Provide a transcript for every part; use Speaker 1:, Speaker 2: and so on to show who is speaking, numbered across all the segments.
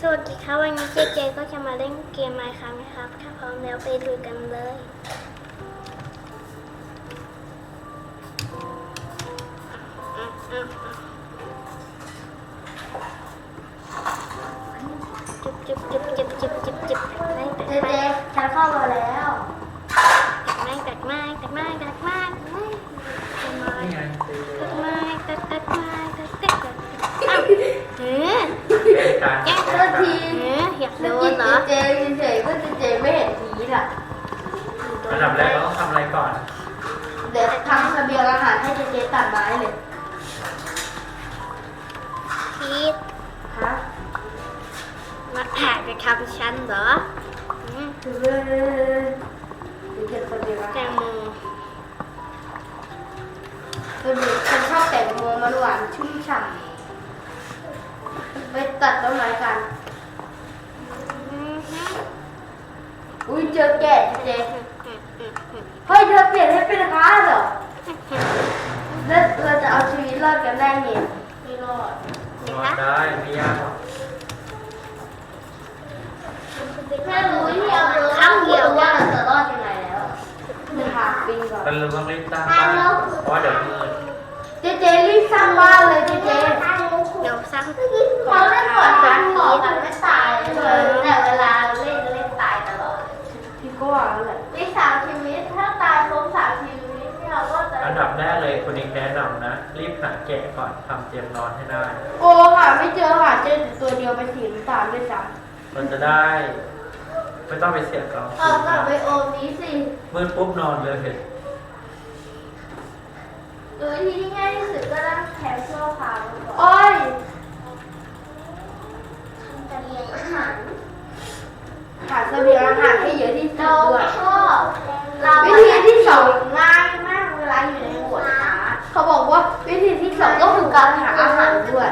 Speaker 1: สวัสดีค่ะวันนี้เจเจก็จะมาเล่นเกม Minecraft นะครับถ้าพร้อมแล้วไปลุยกันเลยจิบเจเจ
Speaker 2: ฉันเข้ามาแล้ว
Speaker 1: ตัดไม้ตัดไม้ตัดไม้ตัดไม้อ้าวแก้ตัวทีอยากโดนเหรอ
Speaker 2: เจเฉยๆก็เจไม่เห็นทีล่ะ
Speaker 3: อันดับแรกเราต้องทำอะไรก่อน
Speaker 2: เดี๋ยวทำเสบียงอาหารให้เจตัดไม้เลย
Speaker 1: พีท
Speaker 2: ฮะ
Speaker 1: มาแอบไปทำฉันเหรอ
Speaker 2: เก็บเสบียงอา
Speaker 1: แต
Speaker 2: หารง
Speaker 1: โม
Speaker 2: ฉันชอบแตงโมมันหวานชุ่มฉ่ำไปตัดต้นไม้กันอุ้ยเจอแกะเจเฮ้ยเธอเปลี่ยนให้เป็นค้าเหรอแล้วเราจะเอาชีวิตรอดกันได้ไงไม่รอด
Speaker 3: ได้ไม่ยากหรอก
Speaker 2: แค่รู้ที่เอาครั้งเดียวว่าเราจะรอดยังไงแล้วจะหาปีก่อน
Speaker 3: เราต้องรีบสร้างบ้านเพราะว่าเดี๋ยวมืด
Speaker 2: เจรีบสร้างบ้านเลยเจ
Speaker 1: เดี๋ยวสร้าง
Speaker 2: เขาเล่นก่อนนะขอกันไม่ตายเลยแต่เวลาเล่นตายตลอดพี่ก็ว่าแล้วแหละไม่3 ชีวิตถ้าตายครบ3 ชีวิตเราก็จะ
Speaker 3: อันดับแรกเลยคุณนิกแนะนำนะรีบหาแกะก่อนทำเตรียมนอนให้ได้
Speaker 2: โอ้หาไม่เจอหาเจอตัวเดียวไปสีน้ำตาลด้วยซ้
Speaker 3: ำมันจะได้ไม่ต้องไปเสียกอง
Speaker 2: เอากลับไปโอมนี้สิ
Speaker 3: มืดปุ๊บนอนเลยเห็น
Speaker 2: วิธีที่ง่ายที่สุดก็ต้องแถมชั่วคราวก่อนโอ้ยทำเสบียงอาหารหาเสบียงอาหารให้เยอะที่สุดด้วยวิธีที่2ง่ายมากเวลาอยู่ในหัวขาเขาบอกว่าวิธีที่2ก็คือการหาอาหารด้วย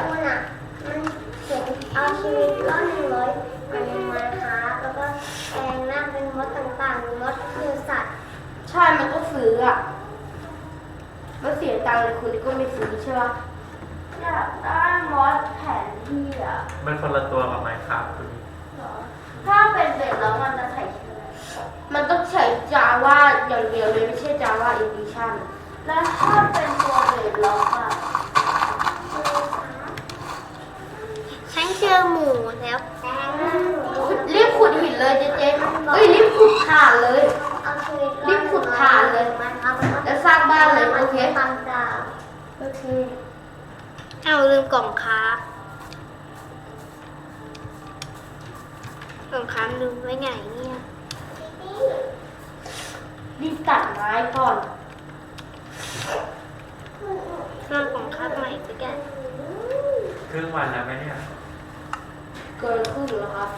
Speaker 1: เอาชีวิตรอด100วันมาค่ะแล้วก็แปลงร่างเป็นมดต่างๆมดคือสัตว์
Speaker 2: ใช่มันก็ซื้ออ่ะมันเสียตังค์เลยคุณก็ไม่ซื้อใช่ป่ะอยากได้มอสแผนที่อ่ะ
Speaker 3: มันคนละตัวกับไมค์ครับคุณ
Speaker 2: ถ้าเป็นเบ็ดแล้วมันจะใส่ชื่อมันต้องใช้ Java อย่างเดียวเลยไม่ใช่ Java Edition แล้วถ้าเป็นตัวเบ็ดล็อกอ่ะ
Speaker 1: ฉันเจอหมูแล้ว
Speaker 2: รีบขุดหินเลยเจ๊เฮ้ยรีบขุดถ่านเลยรีบขุดถ่านเลยแล้วสร้างบ้านเลยโอเคโอเค
Speaker 1: เอาลืมกล่องค้าลืมไว้ไหนเนี่ย
Speaker 2: รีบตัดไม้ก่อน
Speaker 1: สร้างกล่องค้าใหม่ไปกัน
Speaker 3: ครึ่งวันแล้วไหมเนี่ย
Speaker 2: เกินครึ่งแล้วครับ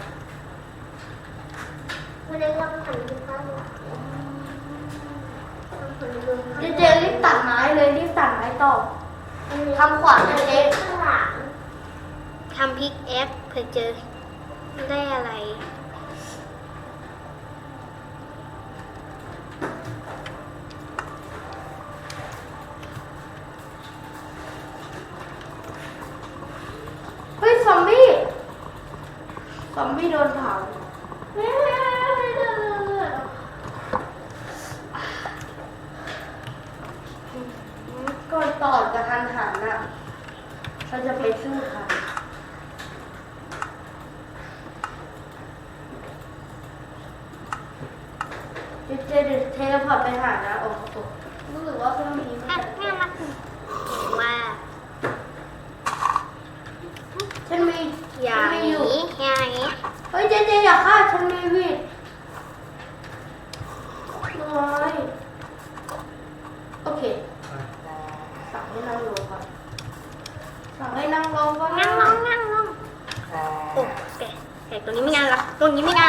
Speaker 1: ไม่ได้รับผ่านที่บ้าน
Speaker 2: เจรีบตัดไม้เลยรีบตัดไม้ต่อทำขวานเจ๊ข้างหลัง
Speaker 1: ทำพิกแอคเพื่อเจอได้อะไร
Speaker 2: เฮ้ยซอมบี้โดนเผาก่อนต่อกับทันหันน่ะเราจะไปสู้ค่ะเจเดี๋ยวเทเลพอร์ตไปหานะโอ้โหรู้สึกว่าเครื่องนี้
Speaker 1: น่ารักว่า
Speaker 2: ฉันมี
Speaker 1: อย่างนี้
Speaker 2: เฮ้ยเจอย่าฆ่าฉันมีวิดน้อยโอเคสั่งให้นั่งลงก่อน
Speaker 1: นั่งลงโอ้แกตัวนี้ไม่งานละได้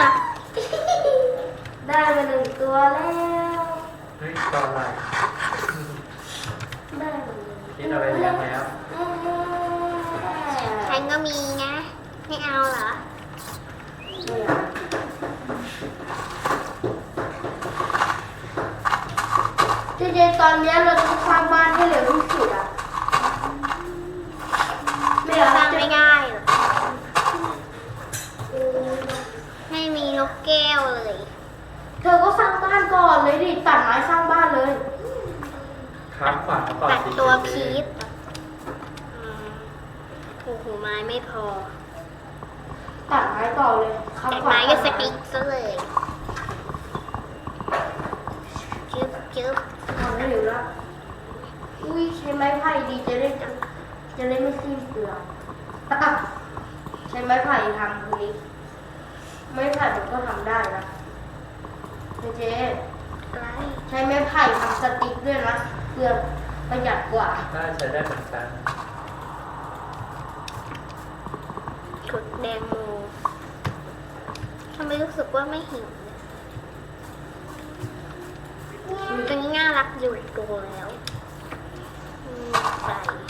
Speaker 2: มา1 ตัวแล้ว
Speaker 3: เฮ้ยตัวอะไร
Speaker 2: ได้
Speaker 3: คิดอะไรเยอะแล้ว
Speaker 1: ฉันก็มีนะไม่เอาเหรอ
Speaker 2: เจตอนนี้เราต้องสร้างบ้านให้เร็วที่สุดอ่ะ
Speaker 1: ไม่สร้างไม่ง่ายหรอ
Speaker 2: เลยดิตัดไม้สร้างบ้านเลย
Speaker 3: ครับขวาก่อน
Speaker 1: ตัด
Speaker 3: สิ
Speaker 1: ตัว
Speaker 3: เจ
Speaker 1: พี
Speaker 3: เจ
Speaker 1: ชโอ้โหไม้ไม่พอ
Speaker 2: ตัดไม้ต่อเลยครับ
Speaker 1: แต่
Speaker 2: ขวา
Speaker 1: ไม้ก็สติ๊กซะเลยจึ๊บจึ๊บ
Speaker 2: ทำได้อยู่แล้วอุ้ยใช้ไม้ไผ่ดีจะได้ไม่สิ้นเปลือง ใช้ไม้ไผ่ทำทีนี้ไม้ไผ่มันก็ทำได้นะเจ๊
Speaker 1: อะไร
Speaker 2: ใช้ไม้ไผ่ทำสติ๊กด้วยนะเปลืองประหยัดกว่า
Speaker 3: น่าใช้ได้เหมือนกัน
Speaker 1: ขุดแดงโมทำไมรู้สึกว่าไม่หิวเลยตัวนี้น่ารักอยู่ตัวแล้วใส่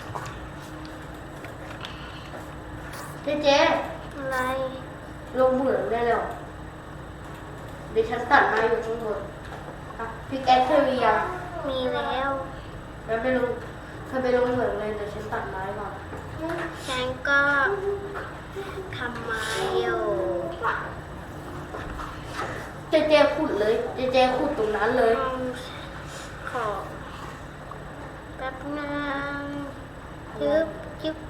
Speaker 2: เจ๊
Speaker 1: อะไร
Speaker 2: ลงเหมืองได้แล้วเดี๋ยวฉันตัดไม้อยู่ข้างบนพิกแอคเทอร์ยัง
Speaker 1: มีแล้ว
Speaker 2: แล้วไปลงเธอไปลงเหมืองเลยเดี๋ยวฉันตัดไม้ก่อน
Speaker 1: ฉันก็ทำไม้อยู่
Speaker 2: เจขุดเลยเจขุดตรงนั้นเลย
Speaker 1: ขอแป๊บนึงจึ๊บจึ๊บ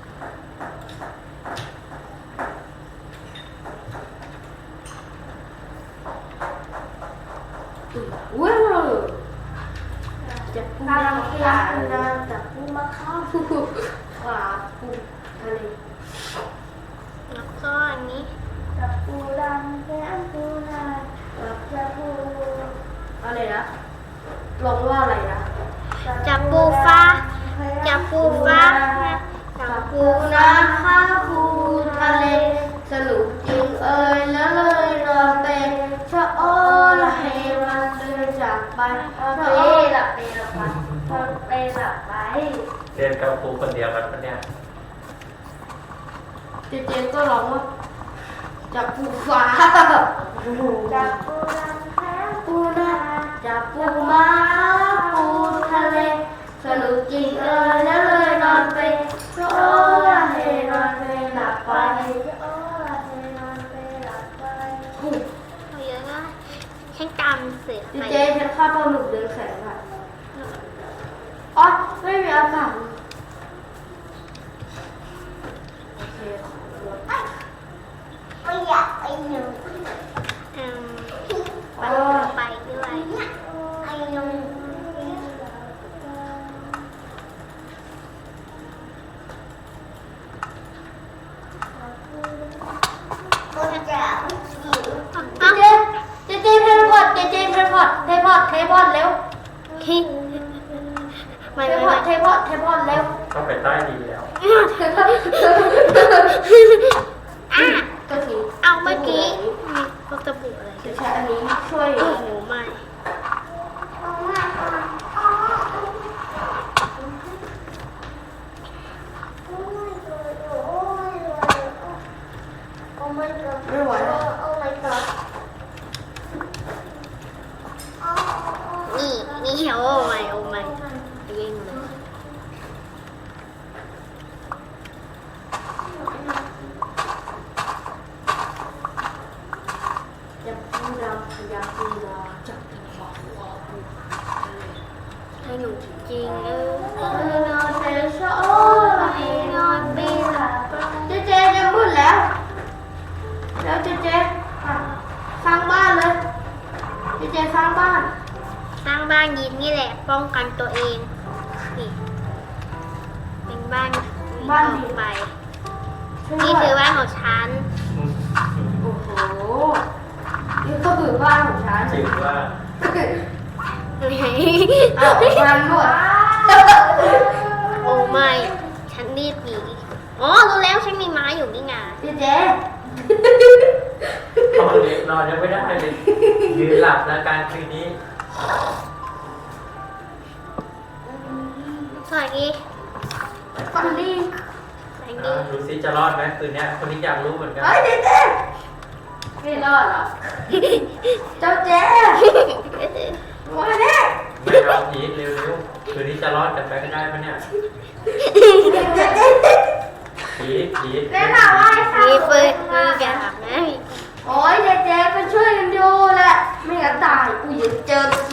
Speaker 2: ว้าวจะปูนาเคียปูนาจะปูมะข้าวขวาปูทะเล
Speaker 1: แล้วก็อันนี้
Speaker 2: จะปูดำแก้มปูนาจะปูอะไรนะลงว่าอะไรนะ
Speaker 1: จับปูฟ้าจับปูฟ้าจับปู
Speaker 2: ปูนาข้าวปูทะเลสรุปจริงเอ่ยแล้วเลยเราเป็นชะโอละเฮมันเดินจากไปชะโอละ ไปหลับไป
Speaker 3: เรียนกับครูคนเดียวกันปะเนี่ย
Speaker 2: เจก็ร้องว่าจับปูฟ้าจับปูนาแพ้ปูนาจับปูม้าปูทะเลสนุกจริงแล้วเลยนอนไปโอ้ละเฮนอนไปหลับไปโอ้ละเฮนอนไปหลับไป
Speaker 1: เอาเยอะนะฉันจำเสือไป
Speaker 2: เจฉันฆ่าปลาหมึกเดือนแสงค่ะอ๋อไม่มีอากาศโอเค
Speaker 1: ไม่อยากไปหนึ่งไปด้วยไอ้ยงก็จะ
Speaker 2: เจเทเลพอร์ตเทเลพอร์ตเร็ว
Speaker 1: ไม่
Speaker 2: เท
Speaker 1: ไม่
Speaker 2: พอร์ตเร็ว
Speaker 3: ก็ไปใต้ดีแล้ว
Speaker 1: อ่ะ
Speaker 2: ก็ที
Speaker 1: เอาเมื่อกี้มีพวกสบู่อะไร
Speaker 2: จะใช้อันนี้ช่วย
Speaker 1: โอ้โหไม่
Speaker 2: ไม่ไหวแล้ว
Speaker 1: นี่โอ้ไม่วิ่งเลย
Speaker 2: อย่าพูดอย่าพูดจับจังหวะหัวปู
Speaker 1: ให้หนูจริง
Speaker 2: นอนเทชโอ้
Speaker 1: ให้นอนไม่หลับ
Speaker 2: เจจะมืดแล้วแล้วเจสร้างบ้านเลยเจสร้างบ้าน
Speaker 1: สร้างบ้านยินนี่แหละป้องกันตัวเองนี่เป็นบ้านออกไปนี่คือบ้านของฉัน
Speaker 2: โอ้โหนี่ก็คือบ้านของฉัน
Speaker 3: จริงว่า
Speaker 2: อ้าวมันหมด
Speaker 1: โอ้ไม่ฉันรีบหนีอ๋อรู้แล้วฉันมีไม้อยู่นี่ไง
Speaker 2: เจ
Speaker 3: ตอนเด็กนอนยังไม่ได้เลยยืนหลับแล้วการคืนนี้
Speaker 1: สวัสดี
Speaker 2: ฟันดี
Speaker 1: สวัสดี
Speaker 3: ดูซิจะรอดไหมคืนนี้คนที่อยากรู้เหมือนกัน
Speaker 2: เฮ้ยเจไม่รอดหรอเจ้าเจมาเนี่ย
Speaker 3: ไม่เอาพีทเร็วๆคืนนี้จะรอดกันไปก็ได้ปะเนี่ยพีท
Speaker 2: แม่ถามว่า
Speaker 1: มีปืนมีกระดาษไหม
Speaker 2: โอ้ยเจก็ช่วยกันดูแหละไม่งั้นตายกูจะเจอ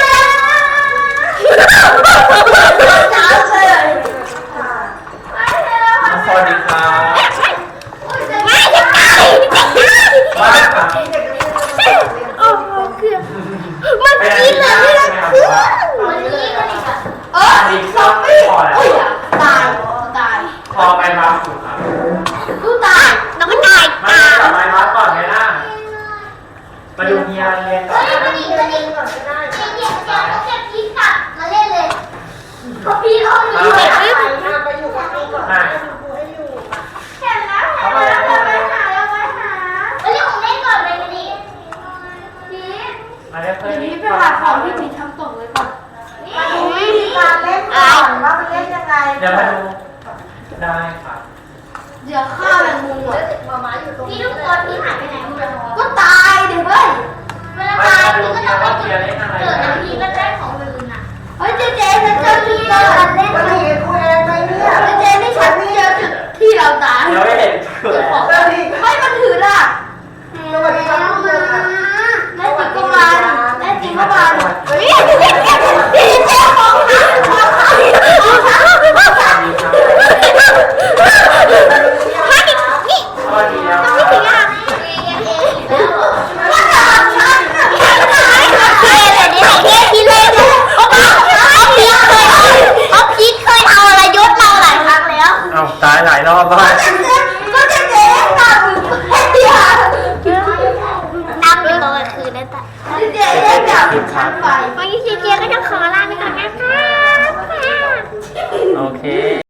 Speaker 2: จ้าเลย
Speaker 3: สวัสดีครับ
Speaker 1: ไม่จะตายจะตาย
Speaker 3: บ้านครับ
Speaker 1: โอ้โหเกือบมันกินเลยไม่ได้เพื่อนมันกินกันอีกอ่ะ
Speaker 2: ซอมบี้อุ้ยตาย
Speaker 3: พอไปรับถูกครับ
Speaker 2: กูตาย
Speaker 1: น้องก็ตาย
Speaker 3: มา
Speaker 1: ตาม
Speaker 3: กลับไปรับก่อนไหมล่ะมาดูเฮียเรียนก่อน
Speaker 1: มันกินกันอีกก่อนก็ได้เดี๋ยวก็แค่พีกลับมาเล่นเลยพอพีเขาอยู่เห็นไหม
Speaker 4: ไปอยู่กับพี่ก่อน
Speaker 3: อ่ะ
Speaker 1: เห็นแล้วเราไปหาเรื่องของเล่นก่อนไปกันดิพี
Speaker 3: มาเรียกเพื่อน
Speaker 2: เดี๋ยว
Speaker 3: นี่
Speaker 2: นี้ไปหาของที่มีทำตกเลยก่อน
Speaker 4: มาดูวิธีการเล่นก่อนว่ามันเล่นยังไง
Speaker 3: เดี๋ยวมาดูได้ครับ
Speaker 2: เดี๋ยวฆ่าแมงมุมอ่ะ
Speaker 1: พี่ทุกคนพี่หายไปไหนหมดเลย
Speaker 2: ก็ตายเดี๋ยวเฮ้ย
Speaker 1: เวลาตายพี่ก็ต้องไปเกิดนะพี่ก็ได้ของอื่นอ่ะ
Speaker 2: เฮ้ยเจฉันเจอจุดเกิดเล่น
Speaker 4: วันนี้กูเองไหมเนี่ย
Speaker 2: เจนี่ฉันเจอจุดที่เราตาย
Speaker 3: เดี๋ยวไม่